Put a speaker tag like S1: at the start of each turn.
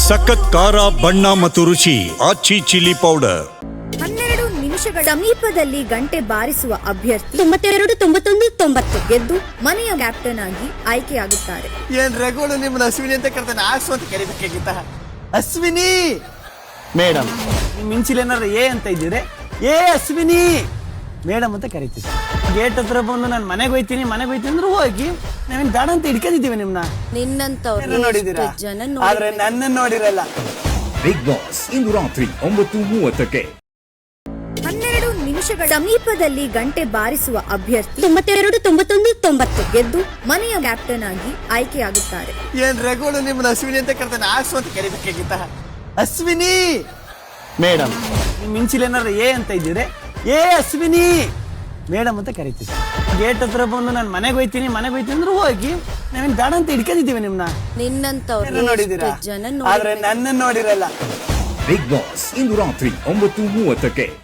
S1: ಸಖತ್ ಖಾರ ಬಣ್ಣ ಮತ್ತು ರುಚಿ ಆಚಿ ಚಿಲ್ಲಿ ಪೌಡರ್.
S2: 12 ನಿಮಿಷಗಳ ಸಮೀಪದಲ್ಲಿ ಗಂಟೆ ಬಾರಿಸುವ ಅಭ್ಯರ್ಥಿ
S3: 92-91-90
S2: ಗೆದ್ದು ಮನೆಯ ಕ್ಯಾಪ್ಟನ್ ಆಗಿ ಆಯ್ಕೆಯಾಗುತ್ತಾರೆ.
S4: ಏನ್ ರಘುಗಳು ನಿಮ್ಮನ್ನ ಅಶ್ವಿನಿ ಅಂತ ಕರ್ತಾನೆ, ಆಸು ಅಂತ ಕರಿಬೇಕಾಗಿತ್ತ. ಅಶ್ವಿನಿ ಮೇಡಮ್, ನಿಮ್ ಮಿಂಚಿಲ್ ಏನಾರ ಏ ಅಂತ ಇದ್ದೀರಿ, ಏ ಅಶ್ವಿನಿ ಮೇಡಮ್ ಅಂತ ಕರಿತೀವಿ. ಗೇಟ್ ಹತ್ರ ಬಂದು ನಾನು ಮನೆಗೆ ಹೋಯ್ತೀನಿ ಅಂದ್ರೆ ಹೋಗಿ ನಾವೇನ್ ಬೇಡ ಅಂತ ಹಿಡ್ಕೊಂಡಿದ್ದೀವಿ ನಿಮ್ನ.
S2: ನಿನ್ನಂತವ್ರು
S4: ನೋಡಿದೀರಾ,
S2: ಜನ
S4: ಆದ್ರೆ ನನ್ನನ್ನು ನೋಡಿರಲ್ಲ.
S5: ಬಿಗ್ ಬಾಸ್ ಇಂದು ರಾತ್ರಿ 9:30ಕ್ಕೆ.
S2: 12 ನಿಮಿಷಗಳ ಸಮೀಪದಲ್ಲಿ ಗಂಟೆ ಬಾರಿಸುವ ಅಭ್ಯರ್ಥಿ
S3: 92-91-90
S2: ಗೆದ್ದು ಮನೆಯ ಕ್ಯಾಪ್ಟನ್ ಆಗಿ ಆಯ್ಕೆಯಾಗುತ್ತಾರೆ.
S4: ಏನ್ ರಘುಗಳು ನಿಮ್ಮನ್ನ ಅಶ್ವಿನಿ ಅಂತ ಕರ್ತಾನೆ, ಆಸು ಅಂತ ಕರಿಬೇಕಾಗಿತ್ತ. ಅಶ್ವಿನಿ ಮೇಡಮ್, ನಿಮ್ ಮಿಂಚಿಲ್ ಏನಾರ ಏ ಅಂತ ಇದ್ದೀರಿ, ಏ ಅಶ್ವಿನಿ ಮೇಡಮ್ ಅಂತ ಕರಿತೀವಿ. ಗೇಟ್ ಹತ್ರ ಬಂದು ನಾನು ಮನೆಗೆ ಹೋಯ್ತೀನಿ ಅಂದ್ರೆ ಹೋಗಿ ನಾವೇನ್ ಬೇಡ ಅಂತ ಹಿಡ್ಕೊಂಡಿದ್ದೀವಿ ನಿಮ್ನ.
S2: ನಿನ್ನಂತವ್ರು
S4: ನೋಡಿದೀರಾ,
S2: ಜನ
S4: ಆದ್ರೆ ನನ್ನನ್ನು ನೋಡಿರಲ್ಲ.
S5: ಬಿಗ್ ಬಾಸ್ ಇಂದು ರಾತ್ರಿ 9:30ಕ್ಕೆ.